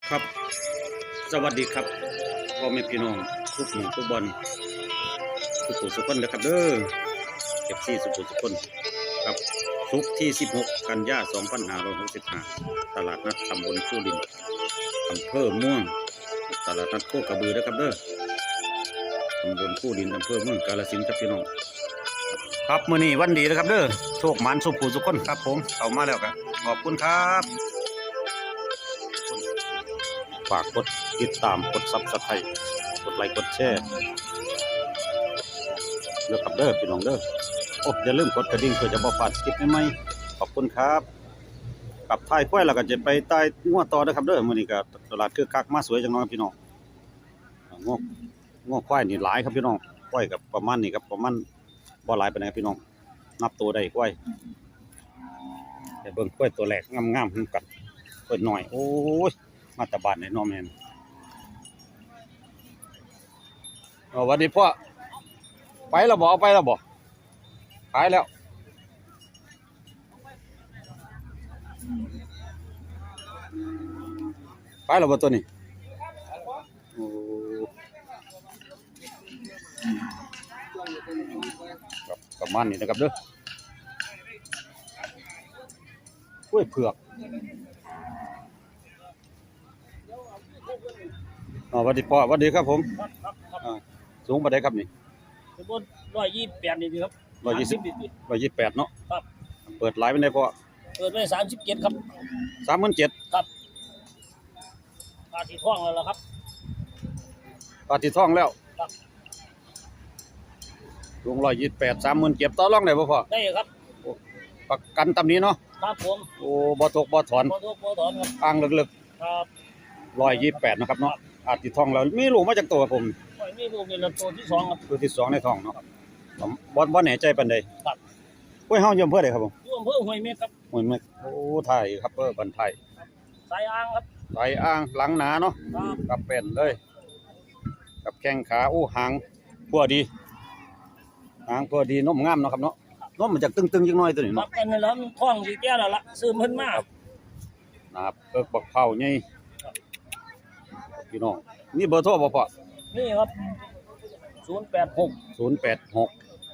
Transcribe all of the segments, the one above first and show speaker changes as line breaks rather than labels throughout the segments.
ครับสวัสดีครับพ่อแม่พี่น้องทุกหมู่ทุกบอลทุกผู้ทุกคนนะครับเด้อเก็บซี่สุขุทุกคนครับศุกร์ที่16กันยายน2565ตลาดนัดตำบลผู้ดินอำเภอม่วงตลาดนัดโคกระบือนะครับเด้อตำบลผู้ดินอำเภอเมืองกาฬสินธุ์ครับพี่น้องครับมื้อนี้วันดีนะครับเด้อโชคหมานสุขผู้ทุกคนครับผมเข้ามาแล้วครับขอบคุณครับฝากกดติดตามกดซับสไครต์กดไลค์กดแชร์เด้อครับเด้อพี่น้องเด้อโอ้อย่าลืมกดกระดิ่งเพื่อจะบ่พลาดคลิปใหม่ๆขอบคุณครับกับท้ายควายแล้วก็จะไปใต้งัวต่อเด้อครับเด้อมื้อนี้ก็ตลาดคึกคักมาสวยจังน้อยพี่น้องงวควายนี่หลายครับพี่น้องควายกับประมาณนี้ครับประมาณบ่หลายปานใดพี่น้องนับตัวได้ควายแต่เบิ่งควายตัวแรกงามๆกันควายน้อยโอ้ยมาแต่บ้านในน้องแม่นสวัสดีพ่อไปแล้วบ่เอาไปแล้วบ่ขายแล้วขายแล้วบ่ตัวนี้โอ้ครับประมาณนี้นะครับเด้อกล้วยเผือกสวัสดีพ่อสวัสดีครับผมสูงปานใดครับนี่
บน128นี่ครับ
128เนาะ
ครับ
เปิดหลายปานใดพ่อ
เปิดไว้37ครับ
37,000
ครับปลาที่ท้องแล้วล่ะครับ
ปลาที่ท้องแล้ว
ครับ
สูง128 37,000ต่อรองได้บ่พ่อ
ได้ครับ
ประกันตำนี้เนาะ
ครับผม
โอ้บ่ตกบ่ถอน
บ่ทุกบ่ถอนครับ
อ่างลึก
ๆครับ
128นะครับเนาะอาจสิท้องแล้วมีลูกมาจากตัวครับผม
มีลูกนี่ละตัวที่2ครับ
ตัวที่2ในท้องเนาะบ่แน่ใจปานใด
ครับ
ห้วยเฮาอยู่อำเภอใดครับผม
อยู่อำเภอห้วยเม็กครับ
ห้วยเม็กโอ้ไทยครับบ้านไทย
สายอ่างครับ
สายอ่างหลังหนาเนาะ
ครับ
กับเป็นเลยกับแข้งขาอู้หางพัวดีหางพัวดีนมงามเนาะครับเนาะนมมันจะตึงๆจังน้อยตัวนี้
ครั
เนาะ
บกันแล้วมันท้องสิแก่แล้วล่ะซื้อเพิ่นมา
นะครับเอิกบักเผาใหญ่พี่น้องนี่เบอร์โทรบ่พ่อ
นี่ครับ086
086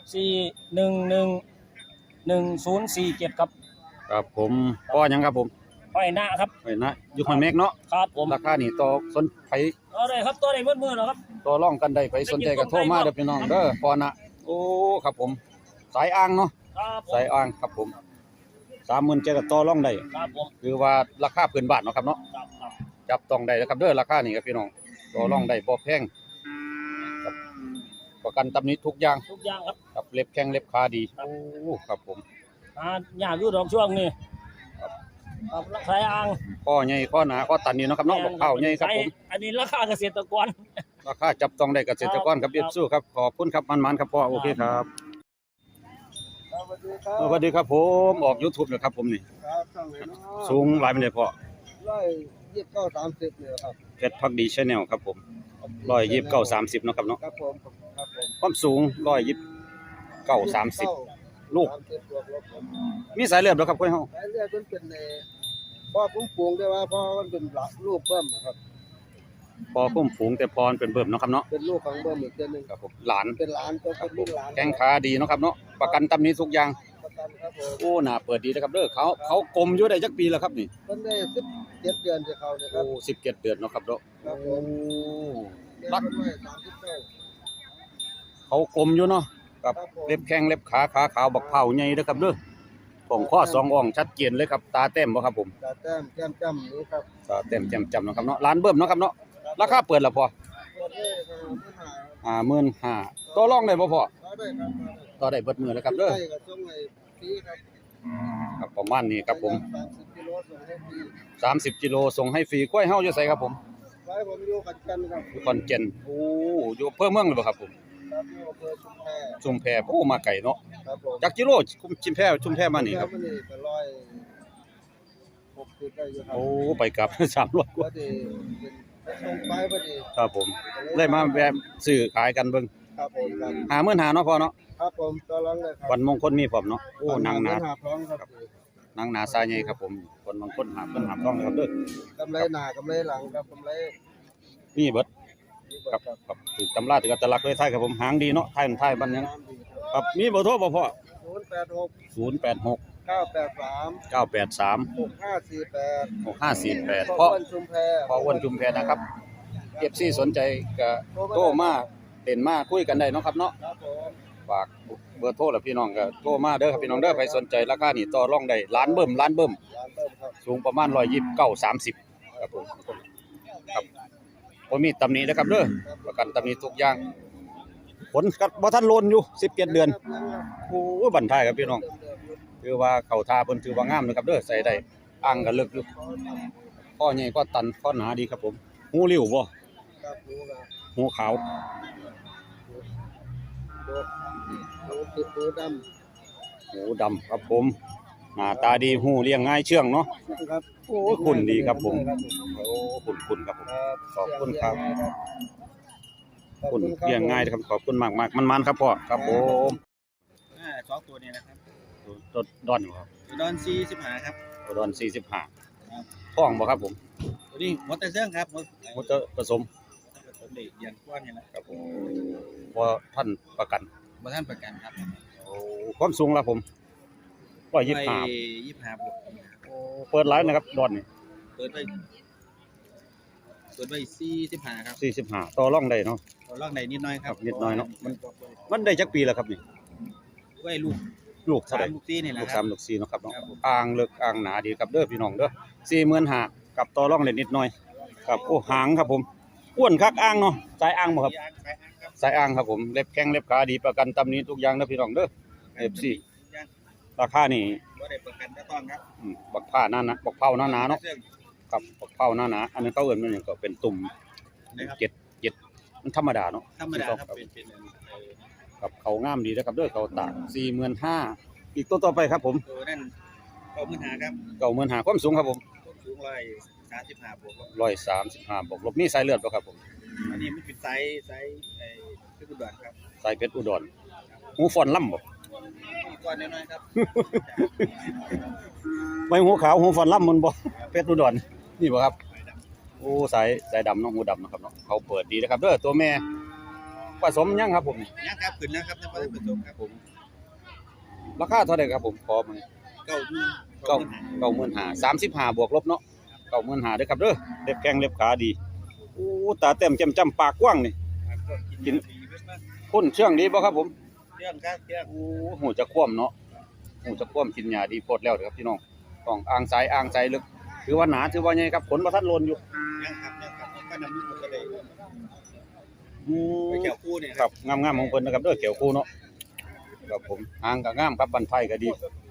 4111047ครับ
ครับผมพ่อหยังครับผม
ห้อยหน้าครับ
ไว้นะอยู่ห้อยเม็กเนาะ
ครับผม
ราคานี่ต่อสนไผ
เอาได้ครับตัวได้มื้อๆแล้วครับ
ต่อรองกันได้ไปสนใจก็โทรมาเด้อพี่น้องเด้อพ่อนะโอ้ครับผมสายอ่างเนาะ
ครับ
สายอ่างครับผม37,000ก็ต่อรองได้
ครับผม
คือว่าราคาพื้นบ้านเนาะครับเนาะ
ครับ
จับต้องได้นะครับเด้อราคานี่ครับพี่น้องต่อรองได้บ่แพงครับประกันตำหนิทุกอย่าง
ครับ
ครับเล็บแข้งเล็บขาดีโอ้ครับผม
ยากอยู่ดอกช่วงนี้ครับราคาอ่าง
ข้อใหญ่ข้อหนาข้อตันนี่เนาะครับเนาะบักเผาใหญ่ครับผม
อันนี้ราคาเกษตรกร
ราคาจับต้องได้เกษตรกรครับเรียบสู้ครับขอบคุณครับมันๆครับพ่อโอเคครับสวัสดีครับผมออก YouTube นะครับผมนี่สูงหลายปานใดพ่อ
129-30เนี่ยครับ
เพชรพักดี Channel ครับผม129-30เนาะครับเนาะ
ครับผม
ความสูง129-30ลูกมีสายเลือดบ่ครับค่อยเฮา
สายเลือดมันเป็นพ่อผมปลูกได้ว่าพ่อมันเป็นลูกเบิ่มครับ
พอคุ้มฝูงแต่พรเป็นเบิ่มเนาะครับเนาะ
เป็นลูกของเบิ่มอีกตัวนึง
ครับผมหลาน
เป็นหลานตัวเป็นลูกหลาน
แข้งขาดีเนาะครับเนาะประกันตำหนิทุกอย่าง
ประกันครับผม
โอ้น่าเปิดดีนะครับเด้อเขากลมอยู่ได้จักปีแล้วครับนี่
เพิ่นได้17เดือนสิเขาเนี่ยครั
บโอ้17เดือนเนาะครับเนาะ
ครับผม
รัก
39
เขากลมอยู่เนาะกับเล็บแข้งเล็บขาขาวบักเผาใหญ่เด้อครับเด้อของข้อ2อ่องชัดเจนเลยครับตาแต้มบ่ครับผม
ตาแต้มแก้มจ้ำนี่ครับ
ตาแต้มแจ่มจ้ำเนาะครับเนาะร้านเบิ่มเนาะครับเนาะราคาเปิดแล้วพอ55,000ต่อรองได้บ่พอต่อได้เบิดมื้อแล้วครับเด้อครับประมาณนี้ครับผม30กิโลส่งให้ฟรีกล้วยเฮาอยู่ไสครับผม
ไว้ผมอยู่ขอนแก่นครับ
อยู่ขอนแก่นโอ้อยู่อำเภอเมืองเลยบ่ครับผม
ครับอยู่อำเภอ
ชุมแพโอ้มาไกลเนาะ
ครับผม
จักกิโลชุมแพมานี่ครับ
160ได้อยู่ครับ
โอ้ไปกลับ300กว่า
ส่งไปพอดี
ครับผมเลยมาแวะซื้อขายกันเบิ่ง
ครับผม
55,000เนาะพอเนาะ
ครับผมต่อรองเลยครับ
วันมงคลมีพร้อมเนาะโอ้นางหนา
ครับพร้อมครับ
นางนาซาใหญ่ครับผมคนบางคนหามต้องนะครับเด้อก
ำไรหน้ากำไรหลังครับกำไร
มีเบิดครับครับถูกตำราถืออัตลักษณ์เลยไทยครับผมหางดีเนาะไทยบ้านยังครับมีเบอร์โทรบ่พ่อ
086
086
983
983
6548
6548พ่อ
อ้วนชุมแพ
พ่ออ้วนจุมแพนะครับ FC สนใจก็โทรมาเด่นมาคุยกันได้เนาะครับเนาะ
ครับผม
ฝากเบอร์โทรแล้วพี่น้องก็โทรมาเด้อครับพี่น้องเด้อใครสนใจราคานี่ต่อรองได้ล้านเบิ่ม
ร้านเติมครับ
สูงประมาณ129 30ครับผมครับบ่มีตำหนินะครับเด้อประกันตำหนิทุกอย่างผลก็บ่ทันโลนอยู่17เดือนโอ้ยบันทายครับพี่น้องถือว่าเข้าท่าเพิ่นถือว่างามนะครับเด้อใส่ได้อ่างก็ลึกอยู่ข้อใหญ่ก็ตันข้อหนาดีครับผมหูริ้วบ่
ครับรู้ครับ
หูขาว
ดูด
หูดำครับผมหน้าตาดีหูเลี้ยงง่ายเชื่องเนาะ
ำครับ
โอ้ยคุณดีครับผมโอ้คุณครับผม
ครับ
ขอบคุณครับ
ขอบ
คุณ
ครับ
เลี้ยงง่ายครับขอบคุณมากมันครับพ่อครับผม
สองตัวนี้นะครับ
รถดอนอยู่ครับ
ดอนซี15ครับ
ดอน45ท้องบ่ครับผม
ตัวนี้มอเตอร์เซิ่งครับ
มอเตอร์ผสม
ผสมเด็กเรียนกว้างนี่แหละ
ครับผมพอท่านประกัน
บ่ท่านประกันครับ
โอ้ความสูงละผม125
25บวก
โอ้เปิดไลน์นะครับดอนนี่
เปิดไป45ครับ
45ต่อรองได้เนาะ
ตัวลอกในนิดหน้อยครับ
นิดหน่อยเนาะมันได้จักปีแล้วครับนี่
ไว้ลูก
ลูกเท่าไหร่
3ลูก4นี่แหละ
ลูก
ครับ
3ลูก4เนาะครับเนาะ
ครับผม
อ่างเลิกอ่างหนาดีครับเด้อพี่น้องเด้อ45,000กับต่อรองได้นิดหน่อยครับโอ้หางครับผมอ้วนคักอ่างเนาะสายอ่างบ่ครับ
ยางไปครับ
สายอ่างครับผมเล็บแข้งเล็บขาดีประกันตำหนี้ทุกอย่างนะพี่น้องเด้อ FC ราคานี่
บ่ได้ประกันก็ต้องครับ
บักผ้าหน้านะบักเผาหน้าหนาเนาะ
เซิ่ง
ครับบักเผาหน้าหนาอันนั้นเขาเอิ้นมันหยังก็เป็นตุ่ม
นะครับ
เจ็ดมันธรรมดาเนาะ
ธรรมดาครับเป็น
ครับเขางามดีนะครับเด้อเขาตาก 45,000อีกตัวต่อไปครับผม
ตัวนั้น95ครับ
95,000ความสูงครับผม
สูง135บวกครับ
135บวกลบมีสายเลือดบ่ครับผม
อันนี้มันเป็นไซส์คือกุดอนครับ
สายเพชรอุดรหูฟอนล่ำบ่
มีก้อนน้อยๆครับ
ไม่หูขาวหูฟอนล่ำมันบ่เพชรอุดรนี่บ่ครับโอ้สายดำเนาะหูดำนะครับเนาะเขาเปิดดีนะครับเด้อตัวแม่ผสมยังครับผม
ยังครับขึ้นแล้วครับท่านผู้ชมครับผม
ราคาเท่าไหร่ครับผมขอมา 95,000 35บวกลบเนาะ95,000เด้อครับเด้อเล็บแข้งเล็บขาดีโอ้ตาเต็มจ้ำปากกว้างนี่พ่นเชื่องดีบ่ครับผม
เรื่องครับเรื่อง
โอ้หูจะคว่ำเนาะหูจะคว่ำกินหญ้าดีโพดแล้วเด้อครับพี่น้องต้องอ่างสายลึกถือว่าหนาถือว่าใหญ่ครับขนบ่ทันโลนอยู่
ยังครับก็นำลูกก็เลย
อื
ไป
ม
เกี่ยวคู่เนี่ย
ครับงามๆของเพิ่นนะครับเด้อเกี่ยวคู่เนาะครับผมหางก็งามครับบันไทก็ดี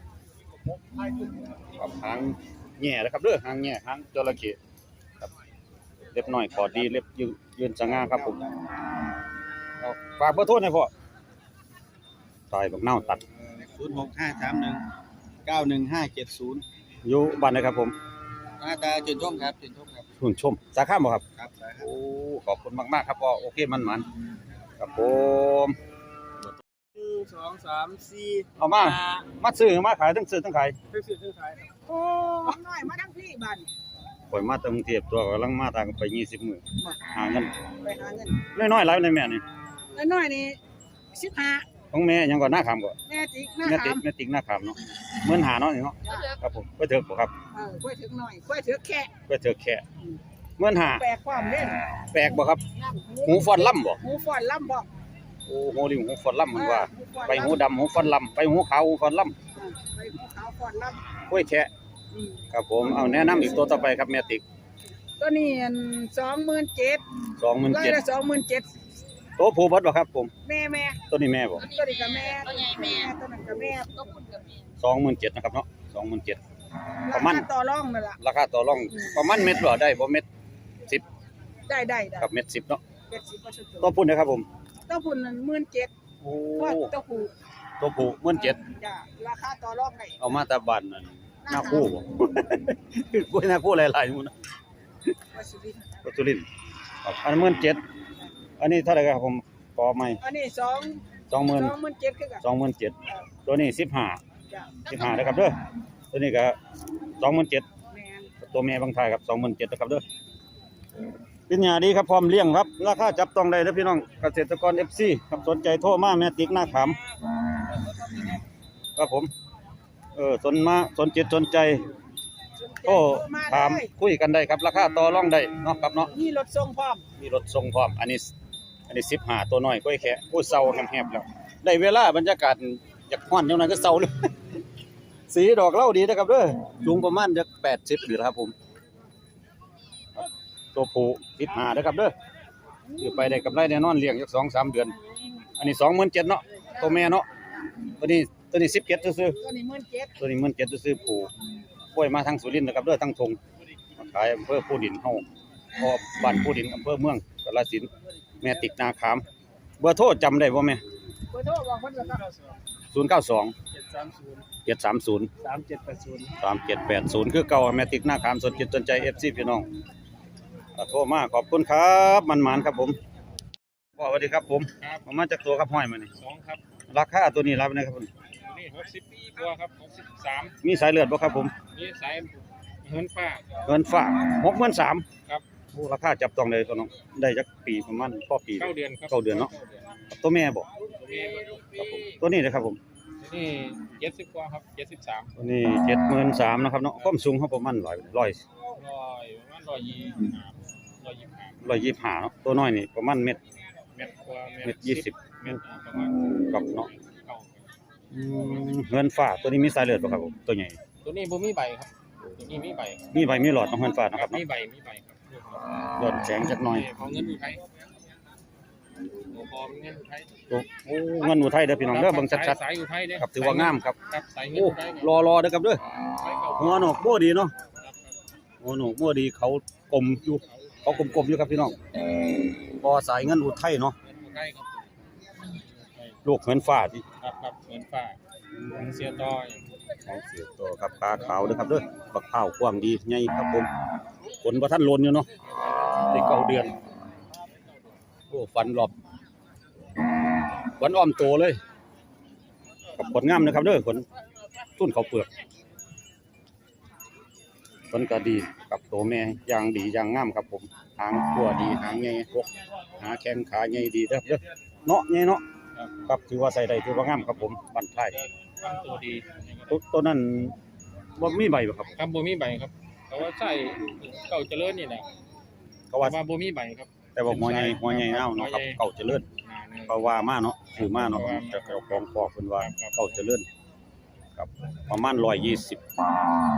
ครับหางแง่นะครับเด้อหางแง่หางจระเข้ครับเล็บน้อยขอดีเล็บยืนสง่าครับผมเอาฝากเบอร์โทรหน่อยพ่อตายบักเน่าตัด
06531915570
อยู่บ้านไหนครับผม
หน้าตาจุนช่องครับจุนช่องครับ
หุ่นชมสาขาบ่ครับ
ครับ
โอ้ขอบคุณมากๆครับพ่อโอเคมันครับผม
1 2 3 4
เอามาซื้อมาขายทั้งซื้อทั้งขาย
ไปซื้อซื้อขายครับ
โอ้น้อยมาทั้งพี่บ้าน
ข่อยมาจากกรุงเทพตัวกำลังมาทางไป20มื้อหาเงิน
ไปหาเงิน
น้อยๆหลายในแม่นี่
แล้วน้อยนี่15
ของแม่ยังก่อนหน้าขามก่อน
แม่จิกหน้า
แม่
ถา
ติ๊ก
ม
แม่ติ๊กหน้าขามเนาะเหมือนหาเนาะนี่เนาะครับผมไปเถอะบ่ครับ
ค่อยถึงหน่อยค่อยถึงแค่
ไปเถอะแค่เหมือนหา
แปลกความเล่น
แปลกบ่ครับหูฟอนล่ำบ่
หูฟอนล่ำบอก
โอ้โหดิหูฟอนล่ำมันว่าไปหูดำหูฟอนล่ำไปหูขาวหูฟอนล่
ไปหูขาวฟอนล่
ำกล้วยแค่
ำ
ครับผมเอาแนะนำอีกตัวต่อไปครับแม่ติ๊ก
ตัวนี้27,000ร้อยละ
27,000
27,000
ตัวผู้เบิดบ่ครับผม
แม่
ตัวนี้แม่บ่
ตัวนี้ก็แม่ตัวใหญ่แม่ตัวนั้นก็แม่
27,000นะครับเนาะ27,000ประมาณ
ต่อรองนั่นล่ะ
ราคาต่อรองประมาณเม็ดบ่ได้บ่เม็ด
ได้
กับเม็ด10เนาะ
70%
ตัวพุ่นนะครับผม
ตัวพุ่นนั้น17,000
โอ้
ว่าตัวผู้
ตัวผู้17,000
จ้ะราคาต่อรองได้
เอามาแต่บ้านนั่นหน้าคู่บ่ กล้วยหน้าคู่หลายๆหมู่นะ
ว่าสิริ
ปัจจุบันครับอัน17,000อันนี้เท่าไหร่ครับผมขอใหม่
อันนี้
20,000
27,000คือกัน
27,000ตัวนี้15
จ้ะ
15นะครับเด้อตัวนี้ก็27,000
แม่น
ตัวแม่บางทายครับ27,000นะครับเด้อเป็นหญ้าดีครับพร้อมเลี้ยงครับราคาจับต้องได้เด้อพี่น้องเกษตรกร FC ครับสนใจโทรมาแม่ติ๊กหน้าขามครับผมสนจิตสนใจโทรถามคุยกันได้ครับราคาต่อรองได้เนาะครับเนาะ
มีรถส่งพร้อม
มีรถส่งพร้อมอันนี้15ตัวน้อยก้อยแค่ผู้เซาแหบๆแล้วได้เวลาบรรยากาศอยากฮ้อนจังนั้นก็เซาเลย สีดอกเหล้าดีนะครับเด้อสูงประมาณจัก80หรือครับผมครับตัวผู้15นะครับเด้อซื้อไปได้กำไรแน่นอนเลี้ยงจัก 2-3 เดือนอันนี้ 27,000เนาะตัวแม่เนาะตัวนี้17ซื่อ
ตัวนี้17,000
ๆตัวนี้17,000ซื่อๆผู้ปล่อยมาทางสุรินทร์นะครับเด้อทางทงมาขายอำเภอภูดินเฮาพอบ้านภูดินอำเภอเมืองกาฬสินธุ์แม่ติกนาขามเบอร์โทรจำได้บ่แม่
เบอร์โทรบอกเพิ่นก็ครับ
092 730 3780คือเก่าแม่ติกหน้าขามสนจิตสนใจ FC พี่น้องโทรมาขอบคุณครับมันหมานครับผมพ่อสวัสดีครับผมมาจากตัวครับห้อยมานี่
2ครับ
ราคาตัวนี้รับนะครับผม
นี่60ตัวครับ63
มีสายเลือดบ่ครับผม
นี่สายเงินฟ้า
เงินฝาก63,000
ครับ
โอ้ราคาจับต้องเลยตัวน้องได้จักปีประมาณพอปี
9เดือนครับ
9เดือนเนาะตัวแม่บ่
นี่
ครับผมตัวนี้นะครับผม
นี่70กว่าครับ73
ตัวนี้73,000นะครับเนาะความสูงเขาประมาณ100
ประมาณ
125เนาะตัวน้อยนี่ประมาณเม็ด
เม็ดกว่า
เม็ด20
เม็ดประมาณ
กับเนาะ
เก้า
เงินฝากตัวนี้มีสายเลือดบ่ครับผมตัวใหญ่
ตัวนี้บ่มีใบครับตัวนี้มีใบ
มีใบมีหลอดของเงินฝากนะครับ
มี
เนาะ
ใบครับ
หลอดแสงจักหน่อย
ของเงินอุทัยโอ้พอเงินอุทัย
โอ้เงินอุทัยเด้อพี่น้องเด้อเบิ่งชัด
สายอุทัยเด้
ๆครับถือว่างามครับ
ครับสายเงิน
โอ้
อุทัย
รอเด้อครับเด้อหัวหนกบ่ดีเนาะหัวหนกบ่ดีเขากลมอยู่เขากลมๆอยู่ครับพี่น้องพอสายเงินอุทัยเนาะ
อุทัยครับ
ลูกเงินฟ้าที่
ครับเงินฟ้าเสียต่อย
ของเสียตัวครับขาขาวเด้อครับเด้อบักข้าวกว้างดีใหญ่ครับผมฝนบ่ทันล้นอยู่เนาะได้9เดือนโอ้ฟันรอบวันอ้อมโตเลยกับผลงามนะครับเด้อผลตุ้นเขาวเปลือกผลก็ดีกับโตแม่อย่างดีอย่างงามครับผมหางตัวดีหางใหญ่พวกหาแข้งขาใหญ่ดีเด้อเนาะใหญ่เนาะครับถือว่าใส่ได้ถือว่างามครับผมบันท้าย
ทำตัวดี
ตัวนั้นบ่มีใบบ่ครับ
ครับบ่มีใบครับแต่ว่าใส่เก่าเจริญนี่แหละ
เขาว่า
ว่าบ่มีใบครับ
แต่ว่าหัวใหญ่เน่าเนาะครับเก่าเจริญเขาว่ามาเนาะถือมาเนาะแต่เจ้าของบอกเพิ่นว่าเก่าเจริญครับประมาณ120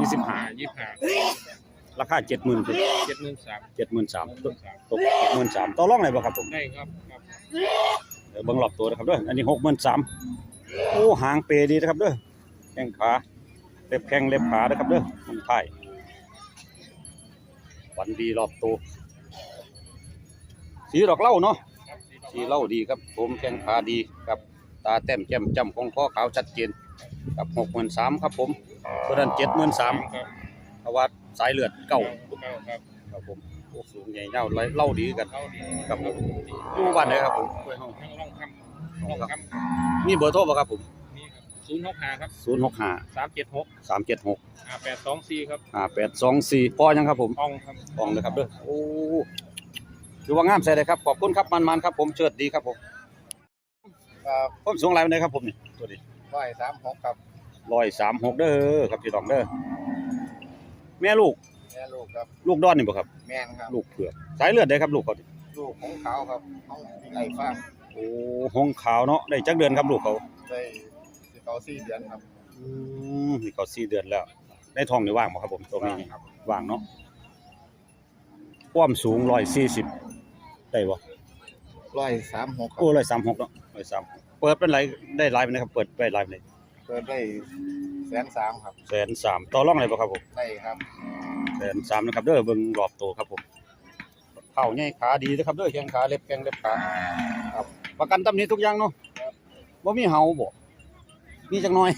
25ราคา 70,000คือ
73,000
ตก 73,000ต่อรองได้บ่ครับผม
ได้ครับครับ
เดี๋ยวเบิ่งรอบตัวนะครับเด้ออันนี้63,000โอ้หางเปดีนะครับเด้อแข้งขาเล็บแข้งเล็บขานะครับเด้อมันท้ายวันดีรอบตัวสีดอกเหล้าเนาะสีเหล้าดีครับผมแข้งขาดีครับตาแต้มแจ่มจ้ำของคอขาวชัดเจนกับ63,000ครับผมตัวนั้น73,000
ครับ
เพราะว่าสายเลือดเก่า
ครับ
ครับผมโอ้สูงใหญ่ยาวเหล้าดีกัน
เข้าดี
ครับผมอยู่บ้านไหนครับผม
ทั้งร่องคำ
มีเบอร์โทรบ่ครับผม
นี่ครับ
065
065 376
376
5824ครับ
5824พ่อยังครับผม
อ่องครับ
ป้องเลยครับเด้อโอ้ถือว่างามใส่เลยครับขอบคุณครับมันๆครับผมเชิดดีครับผม
ครับ
ผมสูงหลายปานใดครับผมนี่ตัวนี้
136ครับ
136เด้อครับพี่น้องเด้อแม่ลูก
แม่ลูกครับ
ลูกดอนนี่บ่ครับ
แม่นครับ
ลูกเผือกสายเลือดได้ครับลูกเขานี่
ลูกของเขาครับของไอ้ฟ้าง
โอ้หงขาวเนาะได้จักเดือนครับลูกเขา
ได้สิเขา4 เดือนครับ
นี่เขา4 เดือนแล้วได้ท้องนี่ว่างบ่ครับผมตัวนี้
ครับ
ว่างเนาะความสูง140ได้บ่
136ครั
โอ้
บ
136เนาะ136เปิดเป็นไรได้หลายปานใดครับเปิดไปหลายปานใด
เปิดได้130,000ครับ
130,000ต่อรองได้บ่ครับผม
ได้ครับ
130,000นะครับเด้อเบิ่งรอบโตครับผมเข่าใหญ่ขาดีนะครับเด้อแข้งขาเล็บแข้งเล็บขาครับประกันตำหนิทุกอย่างเนาะบ่มีเห่าบ่มีจักหน่อย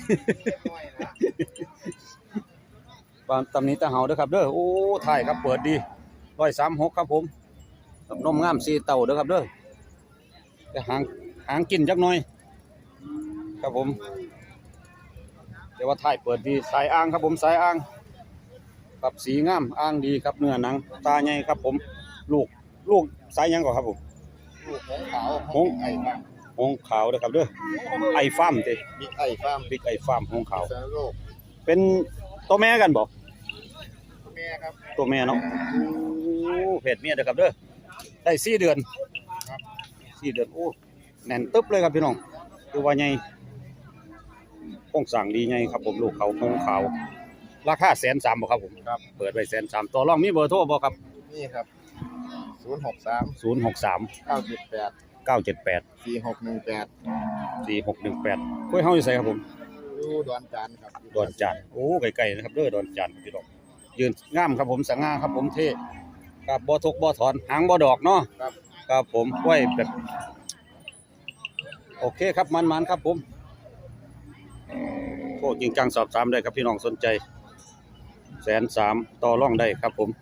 บางตำหนิตะเห่าเด้อครับเด้อโอ้ถ่ายครับเปิดดี136ครับผมกับนมงาม4เต้าเด้อครับเด้อแต่หางกินจักหน่อยครับผมแต่ว่าท้ายเปิดดีสายอ่างครับผมสายอ่างครับสีงามอ่างดีครับเนื้อหนังตาใหญ่ครับผมลูกสายหยังก่อนครับผม
ลูกของขาว
หง
ไอ้บ้าง
หงขาวเด้อครับเด้อไอ้ฟาร์มติ
บิ๊กไอ้ฟาร์ม
บิ๊กไอ้ฟาร์มหงขาว
สารโลก
เป็นตัวแม่กันบ่
แม่ครับ
ตัวแม่เนาะโอ้เพศเมียเด้อครับเด้อได้4เดือนครับ4เดือนโอ้แน่นตึ๊บเลยครับพี่น้องคือว่าใหญ่โครงสร้างดีใหญ่ครับผมลูกเขาหงขาวราคา130,000บ่ครับผม
ครับ
เปิดไว้130,000ต่อรองมีเบอร์โทรบ่ครับ
นี่ครับ063
063
978
978
4618
4618คุยเฮาอยู่ไสครับผม
อยู่ดอนจานครับ
ดอนจานโอ้ไกลๆนะครับเด้อดอนจานพี่น้องยืนงามครับผมสง่าครับผมเท่ครับบ่ทกบ่ถอนหางบ่ดอกเนาะ
ครับ
ครับผมไว้แบบโอเคครับมันๆครับผมโทษจริงจังสอบถามได้ครับพี่น้องสนใจ130,000ต่อรองได้ครับผม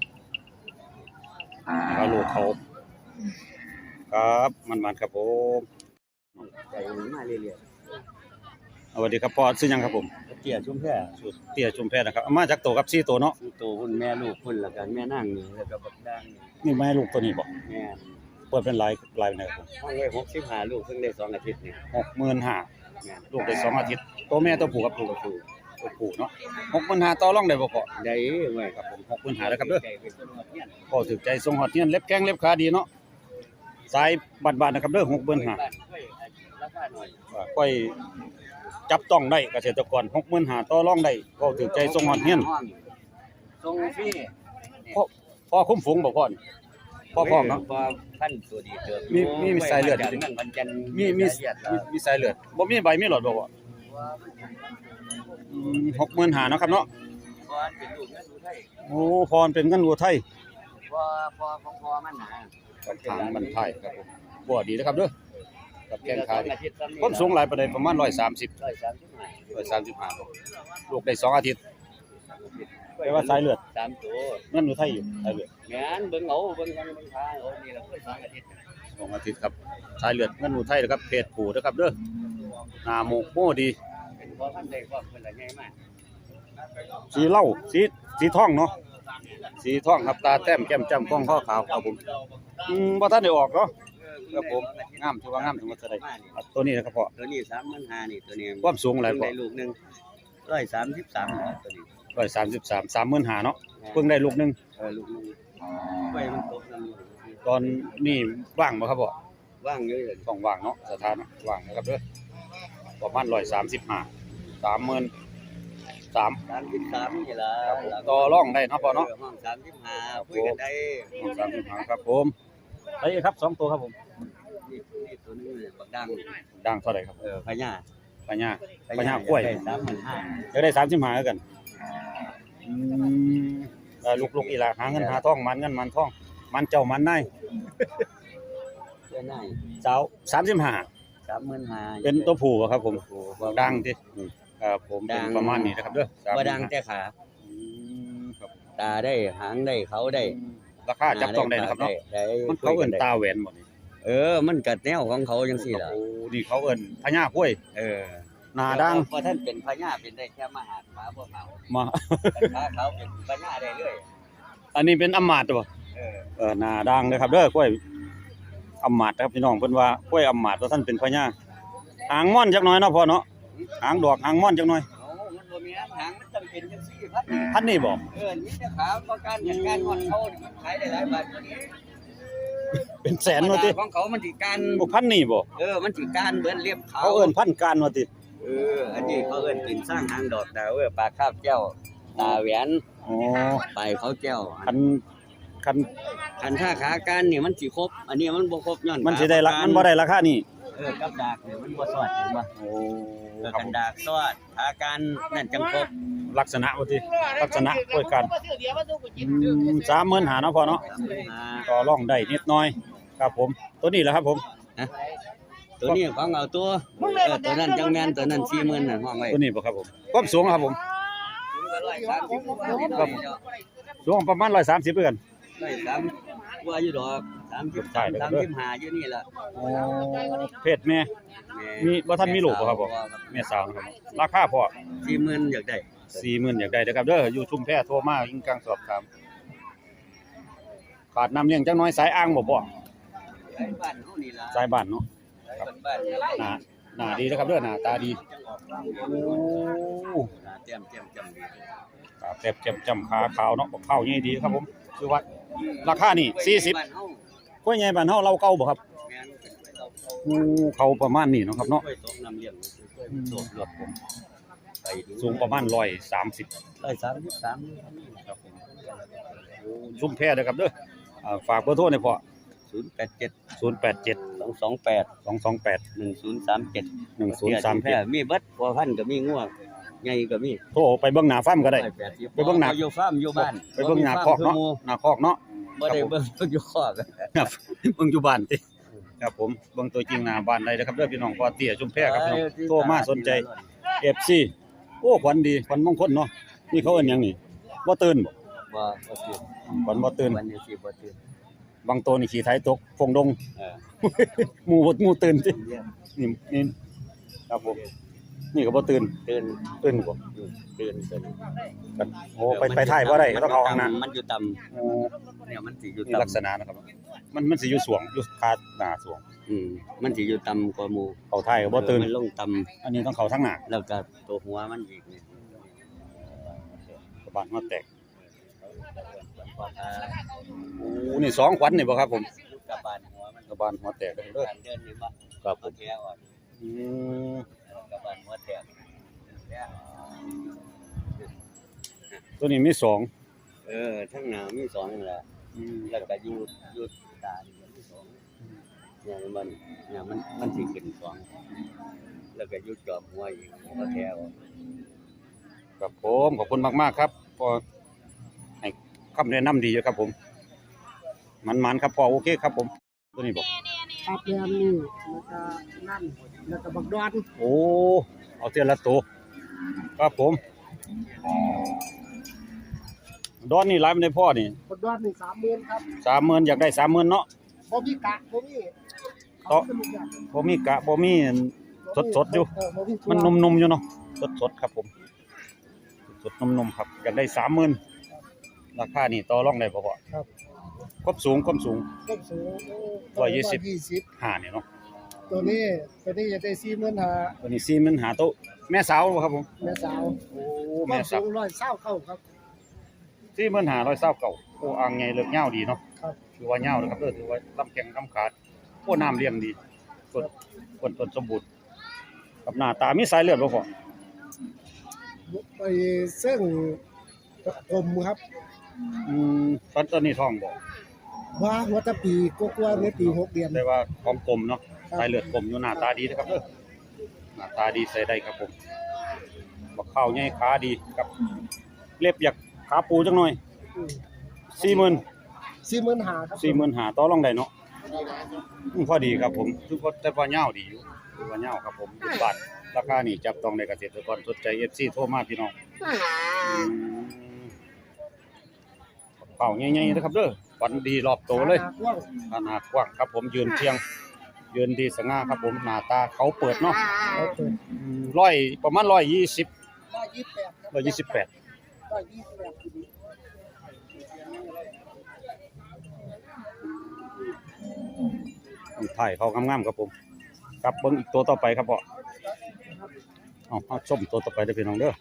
ลูกเขาครับมันๆครับผม
ใจมาเรื่อย
สวัสดีครับพ่อชื่อหยังครับผม
ๆเตี้ยชุมแพ
ชื่อเตี้ยชุมแพนะครับเอามาจากโตกับ4ตัวเนาะ
โตคุณแม่ลูกคุณแล้วกันแม่นั่งนี่แล้วก็บักดังนี่
นี่แม่ลูกตัวนี้บ่
แม่
เปิดเป็นหลายไหนครับผม
ห้องไว้65ลูกเพิ่งได้2อาทิตย์นี่
65,000
แม่
ลูกได้2อาทิตย์ตัวแม่ตัวผู้ครับลูกตัวผู้เนาะ65,000ต่อรองได้บ่พ่อ
ได้ไว้
ครับผม65,000แล้วครับเด้อ
ใจไปจนหมดเนี่ย
พ่อถูกใจทรงฮอดเฮียนเล็บแข้งเล็บขาดีเนาะสายบาดๆนะครับเด้อ65,000
บ้านค่อยราคาหน่อย
ค่อยจับต้องได้เกษตรกร65,000ต่อรองได้พ่อถูกใจทรงฮอดเฮียน
ทรงฟรี
พ่อคุ้มฝูงบ่พ่อนี่พ่อพร้อมเนาะ
พอพันตัวดีเติบ
มีสายเลือด
จากนั่งวันจันทร์
มี
สายเลือด
มีสายเลือดบ่มีใบมีหลอดบ่พ่อ65,000เนาะครับเนาะ
พอเป็นลูกนั่นดูไทย
โอ้พรเป็นเงินวัวไทย
พอของพอมันหนา
กับทางบรรทายครับผมบ่ดีนะครับเด้อกับแข้งขาดี
อาทิตย์ซ้ำนี่
ความสูงหลายปานใดประมาณ130
135
135ลูกได้2อาทิตย์แปลว่าสายเลือด
3ตัว
เงินวัวไทยอยู่สายเลือด
แม่นเบิ่งเอาเบิ่งกันเบิ่งทางเอานี่ล่ะเพิ่น2อาทิตย์
2อาทิตย์ครับสายเลือดเงินวัวไทยนะครับเพศผู้นะครับเด้อหน้าหมกโมดี
เป็นพอพันได้ความเพิ่นละใหญ่มาก
สีเหล้าสีทองเนาะสีทองครับตาแต้มแก้มจ้ำก้องข้อขาวครับผมบ่ทันได้ออกเนาะครับผมงามถือว่างามถึงว่าจะได้ตัวนี้นะครับพ่อ
ตัวนี้35,000นี่ตัวนี้
ความสูงหลายพ่อ
ได้ลูกหนึง133นะตัวนี้
133 35,000เนาะเพิ่งได้ลูกหนึง
ลูกหนึงไว้มันตกนั่นอยู่
ตอนนี้ว่างบ่ครับพ่อ
ว่างเยอะเลย
ต้องว่างเนาะสถานะว่างนะครับเด้อประมาณ135 30,000
33นี่ล่ะ
ครับผมต่อรองได้เนาะพ่อเนาะ
ห้อง35คุยกันได้
35ครับผมไปครับ2ตัวครับผม
นี่ตัวนี้บักดัง
ดังเท่าไหร่ครับ
พญา
ปัญญากล้วย
ได้35,000
จะได้35แล้วกันลูกอีหล่ะหาเงินหาทองมันเงินมันทองมันเจ้ามันนาย
เพื่อนได้
สาว35
35,000
เป็นตัวผู้บ่ครับผม
บ่
ดังติครับผม
ดั
เป็น
ง
ประมาณนี้นะครับเด้อ
บ่ดังแต่ขา
ครับ
ตาได้หางได้เขาได้
ราคาจับต้องได้นะครับเนาะ
ได้
มันเขาเอิ้นตาแหวนหมดนี่
มันกัดแนวของเขาจังซี่ล่ะ
โอ้นี่เขาเอิ้นพญากล้วยหน้าดัง
พอท่านเป็นพญาเป็นได้แค่มหาดฟ้าบ่เขา
มา
ขาเขาเป็นพญาได้เรื่อย
อันนี้เป็นอำมาตย์บ่หน้าดังนะครับเด้อกล้วยอำมาตย์ครับพี่น้องเพิ่นว่ากล้วยอำมาตย์ว่าท่านเป็นพญาหางม่อนจักหน่อยเนาะพ่อเนาะหางดอกหางม่อนจักหน่อย
มันบ่มีหางมันต้องเป็นจังซี่พัด
พันนี่บ่
นี่แต่ขาประกันอย่างการงอนเขานี่มันขายได้หลายบาทกว่านี้
เป็นแสนว่าติ
ของเขามันสิการ
บ่พันนี่บ่
มันสิการเบิ่นเรียบเขา
เขาเอิ้นพันการว่าติ
อันนี้เขาเอิ้นกินสร้างหางดอกดาวปลาคาบแก้วตาแหวน
อ๋อ
ไปเขาแก้ว
คัน
คันท่าขาการนี่มันสิครบอันนี้มันบ่ครบย้อน
มันสิได้ละมันบ่ได้ราคานี่
กับดากนี่มันบ่สอดเห็นบ่
โอ้ครั
กับ นดากสอดขาการนั่นจังครบ
ลักษณะว่าติลักษณะกล้วยกัน35,000เนาะพ่อเนาะต่อรองได้นิดหน่อยครับผมตัวนี้แหละครับผม
ตัวนี้ของเอาตัวตัวนั้นจังแม่นตัวนั้น40,000น่ะห้องไว้
ตัวนี้บ่ครับผมความสูงครับผมสูงประมาณ130คือกัน
ว่าอยู่ดอก35อยู่นี่ล่ะ
โอ้เพศแม่มีบ่ทันมีลูกบ่ครับบ่แม่สาวนะครับราคาพอ
40,000อยากได้
40,000อยากได้เด้อครับเด้ออยู่ชุมแพโทรมายิงกลางสอบถามขาดน้ำเลี้ยงจักหน่อยสายอ่างบ่พ่อ
ไอ้บ้านเฮานี่ล่ะ
สายบ้านเนาะ
บ้าน
หน้าดีนะครับเด้อหน้าตาดีโอ้
เตรียมจำดี
ครับแซ่บๆจำขาขาวเนาะข้าวใหญ่ดีครับผมคือว่าราคานี่40
บ้านเฮา
กล้วยใหญ่บ้านเฮาเราเก่าบ่ครับ
แม่นเป็นไปเรา
เขาประมาณนี้เนาะครับเนาะ
กล้วยตกน้ำเลี้ยงกล้วยตกรถผมไปดู
สูงประมาณ130
133ครับผม
ชุมแพเด้อครับเด้อฝากเบอร์โทรหน่อยพ่อ
087
087
228
228
1037
1037
มีเบิดพัวพันก็มีงัวใหญ่ก็มี
โทรไปเบิ่งหน้าฟาร์มก็ได้ ไปเบิ่งหน้า
อยู่ฟาร์มอยู่บ้าน
ไปเบิ่งหน้าคอกเนาะหน้าคอกเนาะ
บ่ได้เบิ่งอยู่คอก
ครับเบิ่งอยู่บ้านติครับผมเบิ่งตัวจริงหน้าบ้านได้นะครับเด้อพี่น้องพ่อเตี้ยชุมแพครับพี่น้องโทรมาสนใจ FC โอ้ขวัญดีขวัญมงคลเนาะนี่เขาเอิ้นหยังนี่บ่ตื่นบ่
บ่ตื่น
ขวัญบ่ตื่น
วันนี้สิบ่ตื่น
บางตัวนี่ขี่ไถตกฟงดง
เออ
หมู่ตื่นตินี่ครับผมนี่ก็บ่ตื่น
ตื่น
ตื่นบ่
ตื่น
กันโอ้ไปถ่ายบ่ได้ก็ต้องเอาข้างหน้า
มันอยู่ต่ำ
โอ้
เนี่ยมันสิอยู่
นี่
ต่ำ
ลักษณะนะครับมันสิอยู่สวงอยู่คาหน้าสวง
มันสิอยู่ต่ำกว่าหมู่
เขาถ่ายก็บ่ตื่น
มันลงต่ำ
อันนี้ต้องเข้าทางหน้า
แล้วก็ตัวหัวมันอีกนี่
บ้านหัวแตก
พออ่า
โอ้นี่2ขวัญนี่บ่ครับผม
กับบ้านหัวมัน
บ้านหัวแตกเด้อ
การเดินนี่บ่
ครับผ
เอา
ม
แท้อ่อน
อืม
กับบ้านหัวแตกแท้
ตัวนี้มี2
ทั้งหน้ามี2นั่นแหละ แล้วก็อยู่ตานี่มี2เนี่ยมันสิขึ้น2แล้วก็อยู่จอมหัวอีกเอาแท้อ่อน
ครับผมขอบคุณมากๆครับพอให้คำแนะนำดีอยู่ครับผมมันครับพอโอเคครับผมตัวนี้บอก
ครับแม่นนี่แล้วก็นั่นแล้วก็บักดอน
โอ้เอาเทียละตัวครับผมดอนนี่หลายมันได้พ่อนี่
บักดอนนี่30,000ครับ
30,000อยากได้30,000เนาะ
บ่มีกะบ่มี
ต่อ บ่มีกะบ่มีสดๆอยู่
บ่มี
มันนุ่มๆอยู่เนาะสดๆครับผมสดนุ่มๆครับอยากได้30,000ราคานี่ต่อรองได้บ่พ่อ
ครับ
ความสูง
ต้นสูง
120 5นี่เนาะ
ตัวนี้จะได้45,000
ตัวนี้40,000หาโต๊ะแม่สาวบ่ครับผม
แม่สาว
โอ้
แม่
แม่
สา
สาว ว
129ครับ
45,129โอ้อ่างใหญ่เลิกยาวดีเนาะ
ครับ
ถือว่ายาวนะครับถือว่าลำแข้งลำขาดโอ้น้ำเลี้ยงดีต้นสมบูรณ์กับหน้าตามีสายเลือดบ่พ่อ
ไปเส้นกลมครับ
ตอนนี้ท้องบ่
ว่าหัวตะปีกว่าๆในปี6เดือน
แต่ว่าของกลมเนาะสายเลือดกลมอยู่หน้าตาดีนะครับหน้าตาดีใส่ได้ครับผมบักข้าวใหญ่ขาดีครับเล็บอยากขาปูจังหน่อย
45,000ครับ
45,000ต่อรองได้เนาะพอดีครับผมคือว่าแต่ว่ายาวดีอยู่คือว่ายาวครับผมอยู่บ้านราคานี่จับต้องได้เกษตรกรสนใจ FC โทรมาพี่น้องเป่าใหญ่ๆนะครับเด้อฝันดีรอบโตเลย ขนาดกว้างครับผมยืนเชียงยืนดีสง่าครับผมหน้าตาเขาเปิดเนาะประมาณ120 128 ถ่ายเขางามๆครับผมครับเบิ่งอีกตัวต่อไปครับพ่อเอาชมตัวต่อไปเด้อพี่น้องเด้อ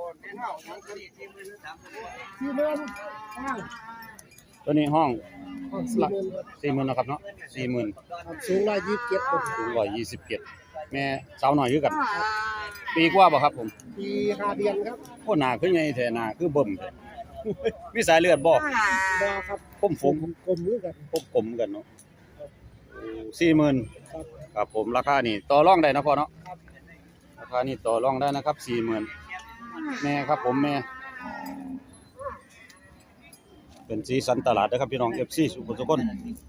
ตัวนี้ห้อง 40,000นะครับเนาะ 40,000
สูง127ครับ
สูง127แม่สาวน้อยคือกัน ปีกว่าบ่ครับผม
ปี5เดือนครับ
โอ้หน้าคือใหญ่แท้หน้าคือเบิ่มแท้ มีสายเลือดบ่
บ่ครับ
ผม
กลมคือกัน
กลมกันเนาะ40,000
ครับ
ครับผมราคานี่ต่อรองได้นะพ่อเนาะราคานี่ต่อรองได้นะครับ 40,000แม่ครับผมแม่เป็นสีสันตลาดนะครับพี่น้อง FC ทุกคน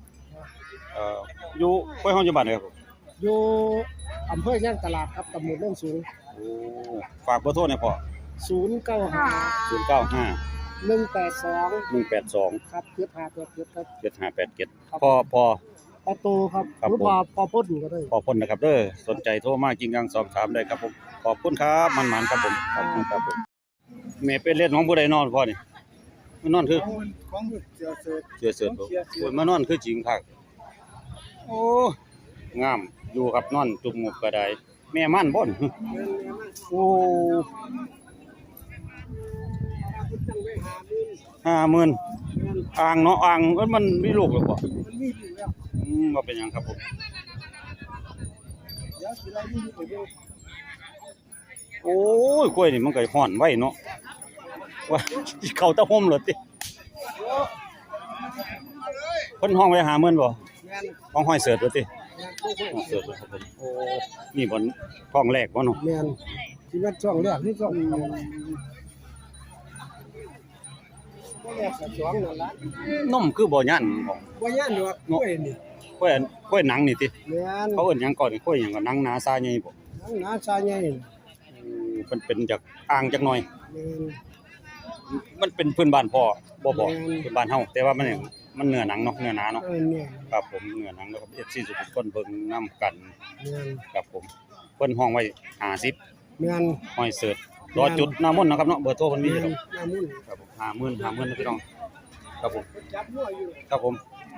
อยู่ห้วยห้องอยู่บ้านไหนครับผม
อยู่อำเภอย่างตลาดครับตำบลโนนสูง
โอ้ฝากเบอร์โทรหน่อยพ่อ
095
095
182
182
ครับ7587ครับ
7587พอ
ประตูครับ
ครับ
หรือ
ผม
พอพ่นก็ได้
ขอบคุณนะครับเด้อสนใจโทรมากินกังสอบถามได้ครับผมขอบคุณครับมันๆครับผมขอบคุณครับผมแม่เป็นเล่นของผู้ใดนอนพ่อนี่มานอนคือ
ของเสียเสร็จ
เสือเสือบ่โอ้ยมานอนคือจริงคักโอ้งามอยู่ครับนอนจุ่มงบก็ได้แม่มันบ่นโอ้50,000อ่างเนาะอ่างมันมีลูกแล้วบ่
มันมีอยู่แล้ว
ว่าเป็นหยังครับผม
เดี๋ยวสิไล่นี่ไปเบิ่ง
โอ้ยกล้วยนี่มันก็ฮ้อนไว้เนาะว่าเข้าตะห่มเหรอติเพิ่นห้องไว้50,000บ่
แม่น
ห้องห้อยเสิร์ชบ่ติ
แม่นผู้คน
ห้องเสิร์ชบ่ครับผมโอ้นี่บ่ท้องแรกบ่เนาะ
แม่นที่มันช่องแรกนี่ช่องบ่แรกสักช่องนั่นล่ะ
นมคือบ่ยันของ
บ่ย่านดอกกล้วยนี่
กล้วยหนังนี่ติ
แม่น
เขาเอิ้นหยังก่อนกล้วยหยังก็หนังหนาซาใหญ่บ่
ทั้งหน้าชายใหญ่
เพิ่นเป็นจากอ่างจักหน่อย
แม่น
มันเป็นพื้นบ้านพ่อบ่
แม่น
พื้นบ้านเฮาแต่ว่ามันเนื้อหนังเนาะเนื้อหนาเนาะ
เนี่ย
ครับผมเนื้อหนังนะครับ FC ทุกคนเบิ่งนํกัน
แม่น
ครับผมเพิ่นห้องไว้50
แม่น
ห้อยเสิร์ชรอจุดหน้ามนต์นะครับเนาะเบอร์โทรเพิ่นมีอยู่ครับ
น้ำมัน
ครับผม50,000นะพี่น้องครับผม
จับหัวอยู่
ครับผม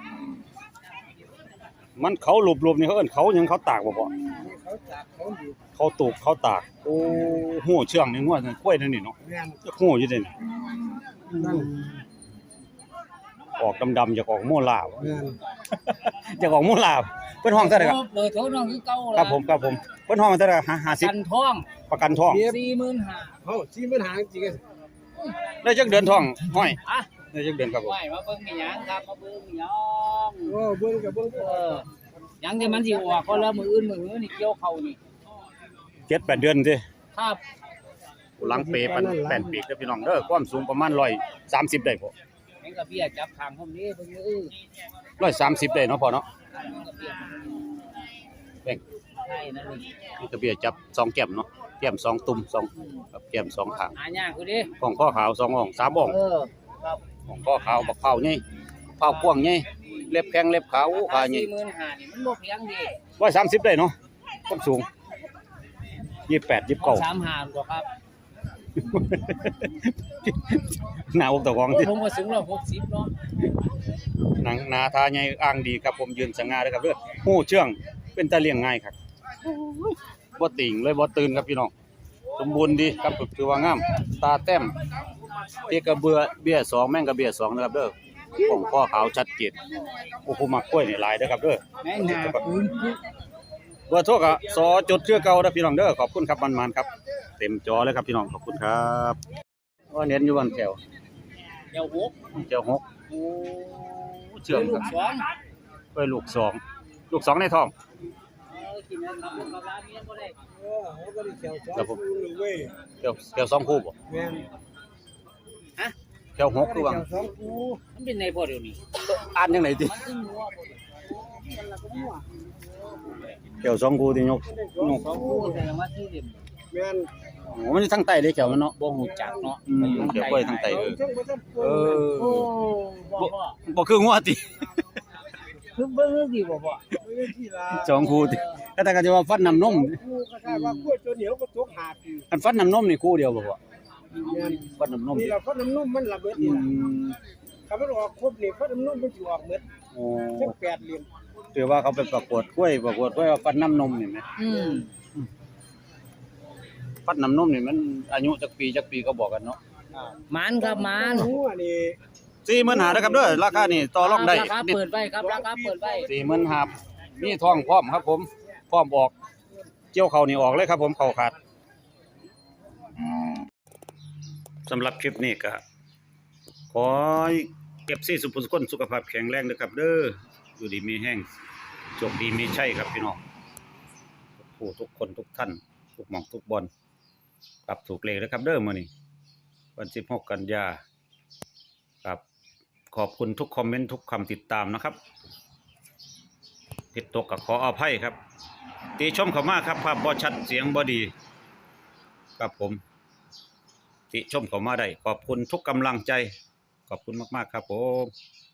มันเขาหลบๆนี่เขาเอิ้นเขาหยังเขาตากบ่พ่อ
เขาจับเขาอยู่
เขาตูกเขาตากโอ้หู้เชื่องนี่งัวกล้วยนั่นนี่เนาะ
แม่น
จะหู้อยู่เด้นี่
นั่น
ออกดำๆจะออกโมลาบ่
แม่น
จะออกโมลาเพิ่นห้องเท่าไหร่ครับ
เบอร์โทรน้องคือเก่า
ครับผมครับผมเพิ่นห้องเท่าไหร่
กัน
50
ท้อง
ประกันท้อง
45,000
เฮาสิมันหาจริง
ได้จักเดือนท้องห้อย
อ่ะ
ได้จักเดือนครับผม
ไหวมาเบิ่งมีหยังครับมาเบิ่งมีหยัง
โอ้เบิ่งกับเบิ่ง
เออหยังที่มันสิออกก็แล้วมืออื่นนี่เกี่ยวเข้านี่
7-8 เดือนติ
ครับ
หลังเปปันแป้นปีกเด้อพี่น้องเด้อความสูงประมาณ130ได้บ่
แม่งกะเบี้ยจับทางผมนี้เพิ่น
130ได้เนาะพ่อเนาะ
กะเบี้ย
แบ่ง
ใช่นั่นนี่
นี่กระเบียจับ2แก้มเนาะแก้ม2ตุ่ม2กับแก้ม2ข้าง
หายากคือดิ
ของข้อขาว2อ่อง3อ่อง
เออครับ
ของข้อขาวบักเผาใหญ่เผากว้างใหญ่เล็บแข็งเล็บขาวขาใหญ่
45,000นี่มันบ่เพียงดิ
130ได้เนาะความสูง28 29
35กว่าครับ
หน้าอกตะกองที่
ผมก็สูง160เนาะ
หนังหนาทาใหญ่อ่างดีครับผมยืนสง่าเด้อครับเด้อฮู้เชื่องเป็นตาเลี้ยงง่ายครับบ่ติ่งเลยบ่ตื่นครับพี่น้องสมบูรณ์ดีครับถือว่างามตาแต้มเตี้ยกระเบือเบี้ย2แม่งกระเบี้ย2นะครับเด้อของข้อขาวชัดเจนโอ้ผู้มักกล้วยนี่หลายเด้อครับเด้อ
แม่งหาปืนคือ
เบอร์โทรก็สอจุดเครือเก่าเด้อพี่น้องเด้อขอบคุณครับมันๆครับเต็มจอเลยครับพี่น้องขอบคุณครับว่าเน้นอยู่วันแถว
เดี๋ยวหก
เจ้า6โอ้เชื่องครับ
สอง
เอ้ยลูก2ในท้อง
กินนั้นกับร้านนี้บ่ได้
เออเฮาก็ได้เขียวสอง
ครับผม
คู่เว้ย
แก้ว2คู่บ่
แม่น
แก้ว6คือว่า
เขียวสองคู่
มันเป็นในบ่เดี๋ยวนี้
อ่านจังได๋ติ
มันคือหัวบ่มันละก็หัว
แก้ว2คู่ที่ยก
สองคู่แต่ว่าที่เด่น
แม่น
โอ้มันอยู่ทางใต้เลยแก้วมันเนาะ
บ่ฮู้จักเนาะ
เดี๋ยวกล้วยทางใต้
เอาจังบ่ทันปวด
เออ
โอ้บ่
บ่คืองัวติ
คือเบิ่งสิบ่
ไม่ได้ที่ลา
2คู่ติแต่ก็จะว่าฟันน้ำนม
คู่ก็ได้ว่ากล้วยตัวเหนียวก็ตกหาปี
อันฟันน้ำนมนี่คู่เดียวบ่พ่อ
แม่น
ฟันน้ำนม
นี่
ติ
เราก็น้ำนมมันระเบิด
อื
นี่ล่ะ
ม
ถ้ามันออกครบนี่ก็น้ำนมมันสิออกหมด
โอ้
จัง8เหลี่ยม
ถือว่าเขาไปประกวดกล้วยว่าฟันน้ำนมนี่แหม
อืม
ฟัดน้ำนมนี่มันอายุจักปีก็บอกกันเนาะ
มันครับมัน
หัวนี่
45,000นะครับเด้อราคานี่ต่อรองได้
ราคาเปิดไว้ครับราคาเปิดไว้
45,000มีทองพร้อมครับผมพร้อมออกเกี่ยวเขานี่ออกเลยครับผมเข้าขาดสำหรับคลิปนี้ก็ขอให้เก็บซี่สุภสุคนสุขภาพแข็งแรงนะครับเด้ออยู่ดีมีแห้งโชคดีมีชัยครับพี่น้องผู้ทุกคนทุกท่านทุกหม่องทุกบอลกลับถูกเลขนะครับเด้อมื้อนี้วัน16กันยาครับขอบคุณทุกคอมเมนต์ทุกคำติดตามนะครับผิดตกก็ขออภัยครับติชมเข้ามาครับภาพบ่ชัดเสียงบ่ดีครับผมติชมเข้ามาได้ขอบคุณทุกกำลังใจขอบคุณมากๆครับผม